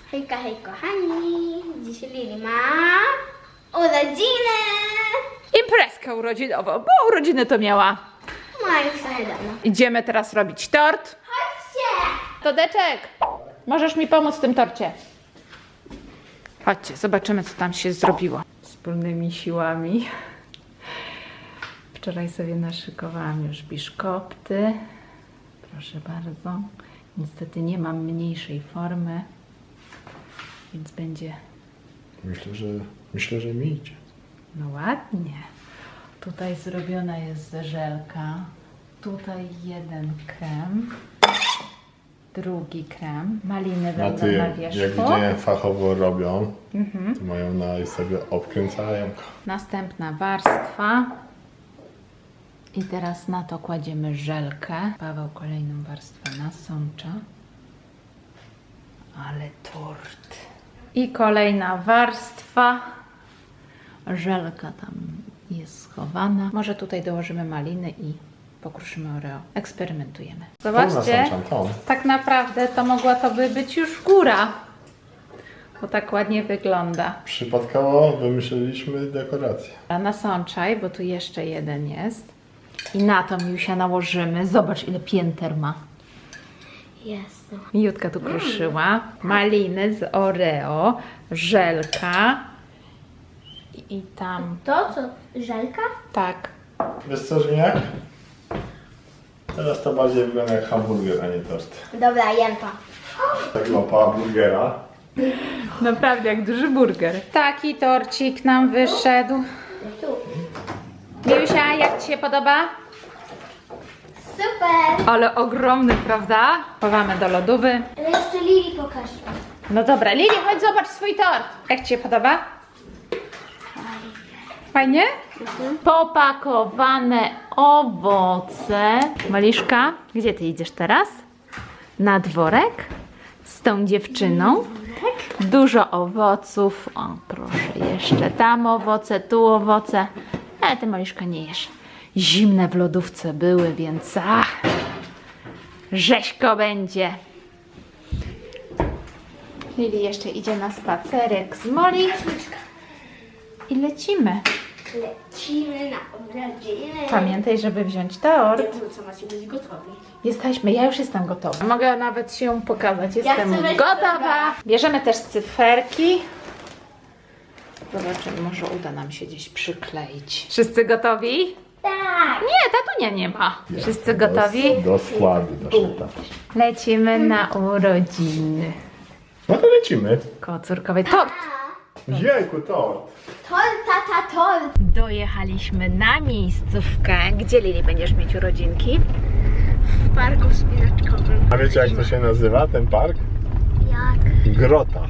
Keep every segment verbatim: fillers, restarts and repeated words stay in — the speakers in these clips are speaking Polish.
Hejka, hej kochani! Dzisiaj Lili ma urodziny! Imprezkę urodzinową, bo urodziny to miała. Ma już trochę dawno. Idziemy teraz robić tort. Chodźcie! Todeczek, możesz mi pomóc w tym torcie? Chodźcie, zobaczymy, co tam się zrobiło. Wspólnymi siłami. Wczoraj sobie naszykowałam już biszkopty. Proszę bardzo. Niestety nie mam mniejszej formy, więc będzie... Myślę, że myślę, że mi idzie. No ładnie. Tutaj zrobiona jest żelka. Tutaj jeden krem. Drugi krem. Maliny A będą ty, na jak wierzchu. widziałem, fachowo robią, Mhm. to mają na i sobie obkręcają. Następna warstwa. I teraz na to kładziemy żelkę. Paweł kolejną warstwę nasącza. Ale tort. I kolejna warstwa. Żelka tam jest schowana. Może tutaj dołożymy maliny i pokruszymy Oreo. Eksperymentujemy. Zobaczcie, nasączam, tą. tak naprawdę to mogła to by być już góra. Bo tak ładnie wygląda. Przypadkowo wymyśliliśmy dekorację. A nasączaj, bo tu jeszcze jeden jest. I na to Miusia nałożymy. Zobacz, ile pięter ma. Jest. Miutka tu kruszyła. Maliny z Oreo, żelka. I, i tam, To co? Żelka? tak. Wiesz co, Żeniak? Teraz to bardziej wygląda jak hamburger, a nie tort. Dobra, jem to. Tak łapała burgera. Naprawdę jak duży burger. Taki torcik nam wyszedł. Tu. Miusia, jak Ci się podoba? Super! Ale ogromny, prawda? Chowamy do lodówy. Ale jeszcze Lili pokaż. No dobra, Lili, chodź zobacz swój tort. Jak Ci się podoba? Fajnie? Popakowane owoce. Maliszka, gdzie Ty idziesz teraz? Na dworek? Z tą dziewczyną? Dużo owoców. O, proszę, jeszcze tam owoce, tu owoce. Ale Ty, Maliszka, nie jesz. Zimne w lodówce były, więc ach, rzeźko będzie. Lili jeszcze idzie na spacerek z Moli. I lecimy. Lecimy na urodziny. Pamiętaj, żeby wziąć tort. Co macie być gotowi? Jesteśmy, ja już jestem gotowa. Mogę nawet się pokazać, jestem chcę być gotowa. gotowa. Bierzemy też cyferki. Zobaczymy, może uda nam się gdzieś przykleić. Wszyscy gotowi? Tak! Nie, tatunia nie ma. Wszyscy gotowi? Do, do składu. Do Lecimy na urodziny. no to lecimy. Koło córkowej tort. Jejku, tort. Tort, tata, tort! Dojechaliśmy na miejscówkę. Gdzie, Lili, będziesz mieć urodzinki? W parku wspinaczkowym. A wiecie, jak to się nazywa, ten park? Jak? Grota.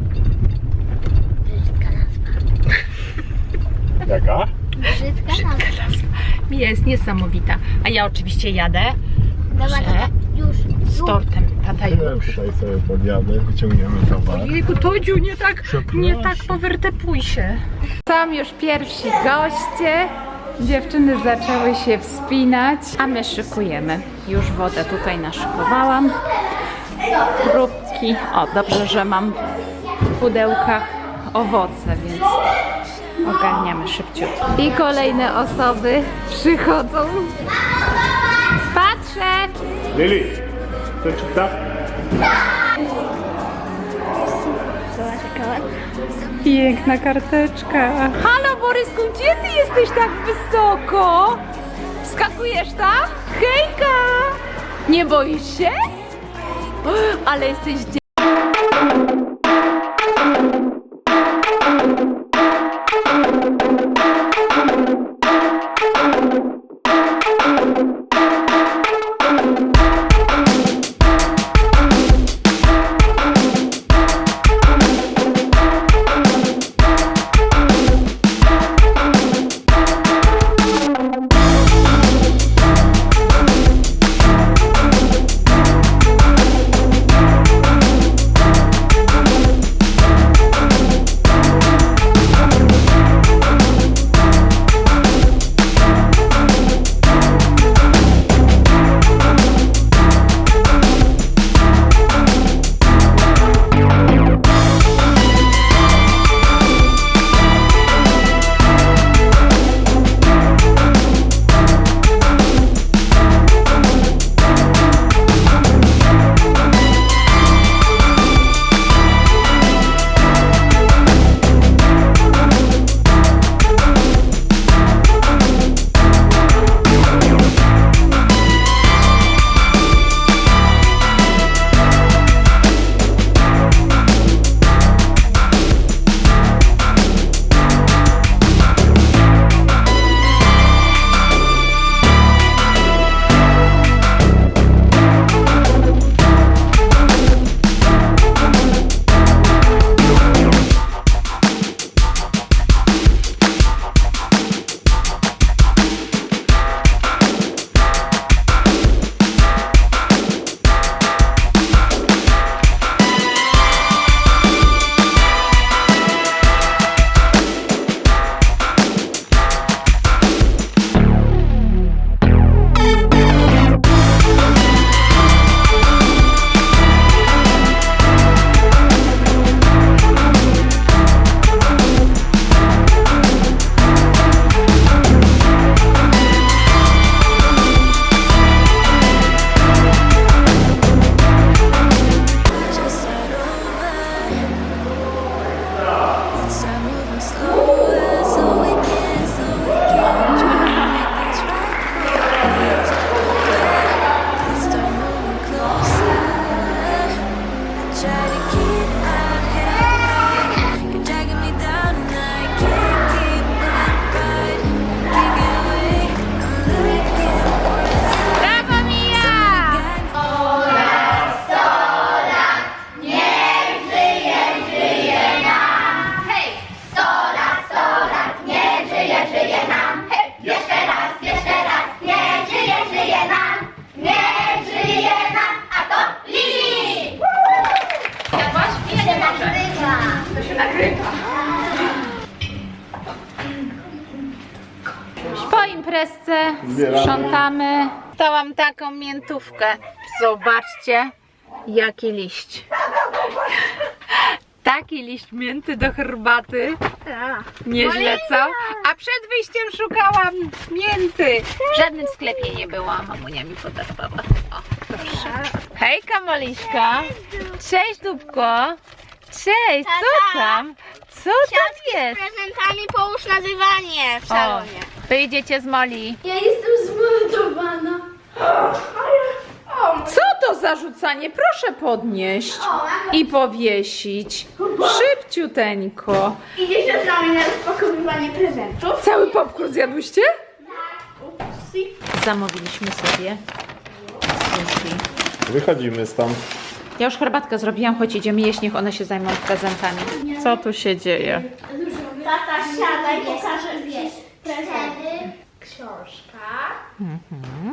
Brzydka nazwa. Jaka? Brzydka nazwa. Jest niesamowita. A ja oczywiście jadę Dobra, Że? tata, już. z tortem. Tata Ja już. tutaj sobie podjadę, wyciągniemy towar. Jejku, Todziu, nie tak, Przepraszam. nie tak powertepuj się. Są już pierwsi goście. Dziewczyny zaczęły się wspinać, a my szykujemy. Już wodę tutaj naszykowałam. Próbki. O, dobrze, że mam w pudełkach owoce, więc ogarniamy szybciutko. I kolejne osoby przychodzą. Patrzę! Lili, to czy tak? Piękna karteczka. Halo Borysku, gdzie ty jesteś tak wysoko? Skakujesz tak? Hejka! Nie boisz się? Ale jesteś dzie- nagrywa. Po imprezce Zbieramy. sprzątamy. Dałam taką miętówkę. Zobaczcie, jaki liść. Taki liść mięty do herbaty. Nieźle, co? A przed wyjściem szukałam mięty. W żadnym sklepie nie było, a mamunia mi podarowała. O, proszę. Hejka, Moliszka. Cześć, Dubko. Cześć, co tam? Co tam jest? prezentami połóż nazywanie w O, salonie. wyjdziecie z Moli. Ja jestem zmordowana. Co to za rzucanie? Proszę podnieść i powiesić. Szybciuteńko. Idziecie z nami na rozpakowywanie prezentów? Cały popcorn zjadłyście? Upsi. Zamówiliśmy sobie sushi. Wychodzimy stąd. Ja już herbatkę zrobiłam, choć idziemy jeść, niech one się zajmą prezentami. Co tu się dzieje? Tata, siadaj, pokażę wiesz. Prezenty. Książka. Mhm.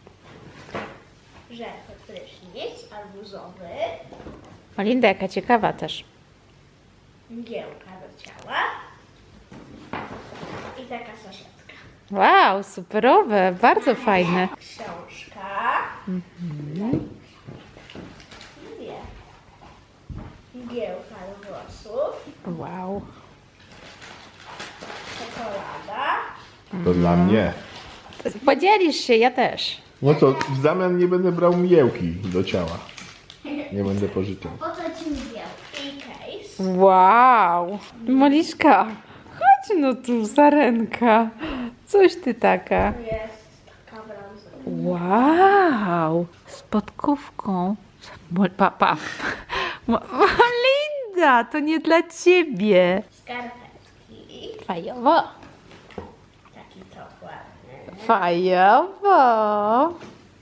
Żelko prysznic, arbuzowy. Olinda, jaka ciekawa też. Mgiełka do ciała. I taka saszetka. Wow, superowe, bardzo fajne. Książka. Mhm. Dwie. Mgiełka do włosów. Wow. Czekolada. To dla mnie. Podzielisz się, ja też. No to w zamian nie będę brał mgiełki do ciała. Nie będę pożyczał. Po co ci mgiełki? I case. Wow. Moliszka, chodź no tu, sarenka. Coś ty taka. Tu jest taka brązowa. Wow, z podkówką. Mo- Pa, pa. Mo- Linda, to nie dla ciebie. Skarpetki. Fajowo. Taki to ładny. Fajowo.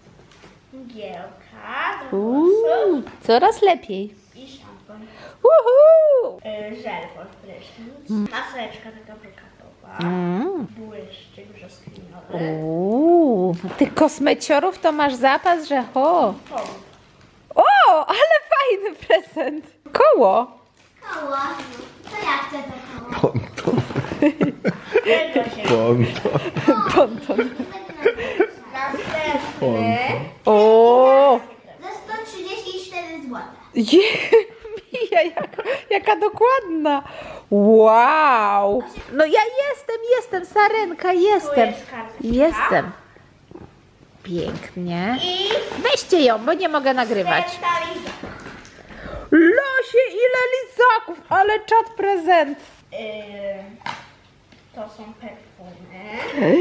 Mgiełka do Uuu, włosów. coraz lepiej. I szampon. Uhu. Y, Żel pod prysznic. Maseczka taka brokatowa. Mm. Błyszczyk brzoskwiniowy. Uuu, tych kosmeciorów to masz zapas, że ho. Pomp. O, ale fajny prezent. Koło. Koło. To ja chcę to koło. Ponton. Tego się Ponton. Ponton. Następny. O, Za sto trzydzieści cztery złote. je, Mija, jak, jaka dokładna. Wow. No ja jestem, jestem, sarenka, Tu jestem. jest kartka. Jestem. Pięknie. I Weźcie ją, bo nie mogę nagrywać. centraliza. Losie, ile lizaków, ale czad prezent. Yy, to są perfumy.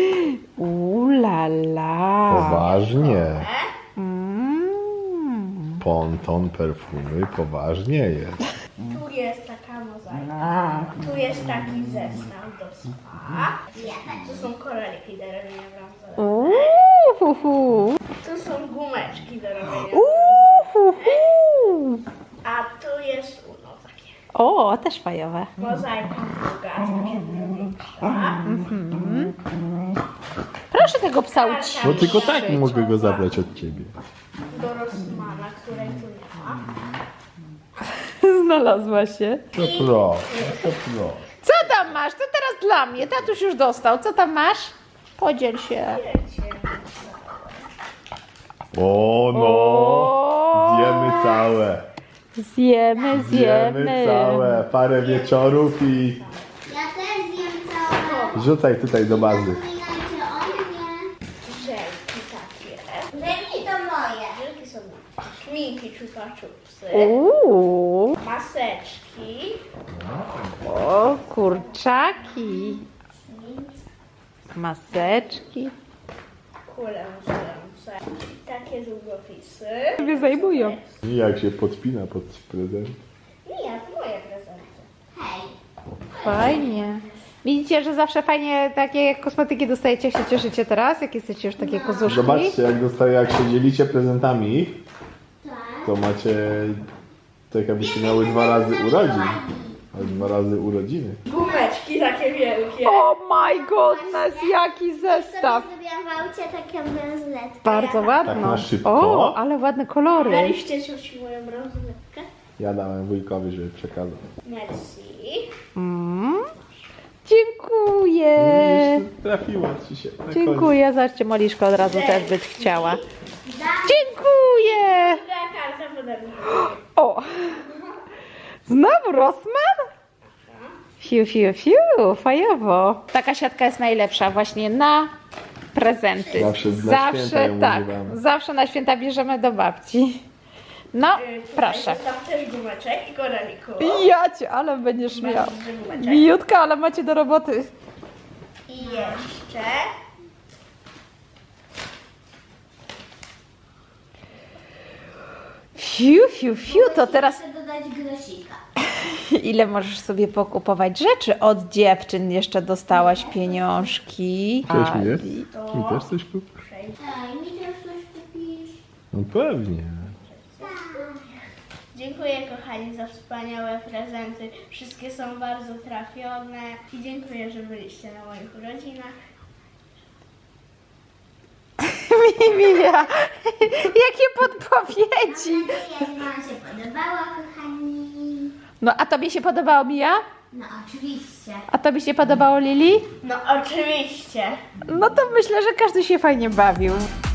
Ulala. Poważnie. Mm. Ponton perfumy poważnie jest. Tu jest taka mozaika. Tu jest taki zestaw do spa. Tu są koraliki do robienia brązowe. Uhuhu. Tu są gumeczki do robienia. Uhuhu. A tu jest uno takie. O, też fajowe. Mozaika druga, takie większa. Proszę tego psa ucić. No tylko tak mogę go zabrać od ciebie. Do Rossmana, której tu nie ma. Znalazła się. To proszę, to proszę. Co tam masz? To teraz dla mnie. Tatuś już dostał. Co tam masz? Podziel się. Wiecie. O no! O. Zjemy całe. Zjemy, Zjemy zjemy. całe. Parę wieczorów i Ja też zjem całe. rzucaj tutaj do bazy. Zapominajcie o mnie. Żelki takie. Żelki to moje. Żelki są moje. Szminki, czupa czupsy. Uuu. Maseczki. O, kurczaki. Maseczki. Kule musujące. Takie długopisy. Sobie zajmują. I jak się podpina pod prezent. Nie, to moje prezenty. Hej. Fajnie. Widzicie, że zawsze fajnie takie kosmetyki dostajecie, się cieszycie teraz, jak jesteście już takie kozuszki. Zobaczcie, jak dostaje, jak się dzielicie prezentami, Tak. to macie tak jakbyście miały dwa razy urodzin. A dwa razy urodziny. Gumeczki takie wielkie. Oh my goodness, jaki zestaw. Zrobiłam w aucie taką bransoletkę. Bardzo ładno. Tak na szybko. O, ale ładne kolory. Daliście cioci moją bransoletkę? Ja dałem wujkowi, żeby przekazał. Merci. Mm. Dziękuję. Widzisz, trafiło ci się. na Dziękuję. Zobaczcie, Moliszko od razu też być chciała. Dziękuję. Druga karta podarunkowa. O! Znowu Rossmann? Fiu, fiu, fiu, fajowo. Taka siatka jest najlepsza właśnie na prezenty. Zawsze na zawsze święta ją tak. używamy. Zawsze na święta bierzemy do babci. No, Y, tutaj proszę. Zostaw też gumeczek i koraliku. Jacie, ale będziesz miał. Masz duży gumeczek. Mijutka, ale macie do roboty. I jeszcze... Fiu, fiu, fiu, to teraz Chcę dodać grosika. ile możesz sobie pokupować rzeczy? Od dziewczyn jeszcze dostałaś pieniążki. Cześć, mi Ali. Mi też coś kup? Daj, mi też coś kupisz. No pewnie. Dziękuję kochani za wspaniałe prezenty. Wszystkie są bardzo trafione. I dziękuję, że byliście na moich urodzinach. Mimia, jakie podpowiedzi. Mam nadzieję, że wam się podobało, kochani. No a tobie się podobało, Mija? No oczywiście. A tobie się podobało, Lili? No oczywiście. No to myślę, że każdy się fajnie bawił.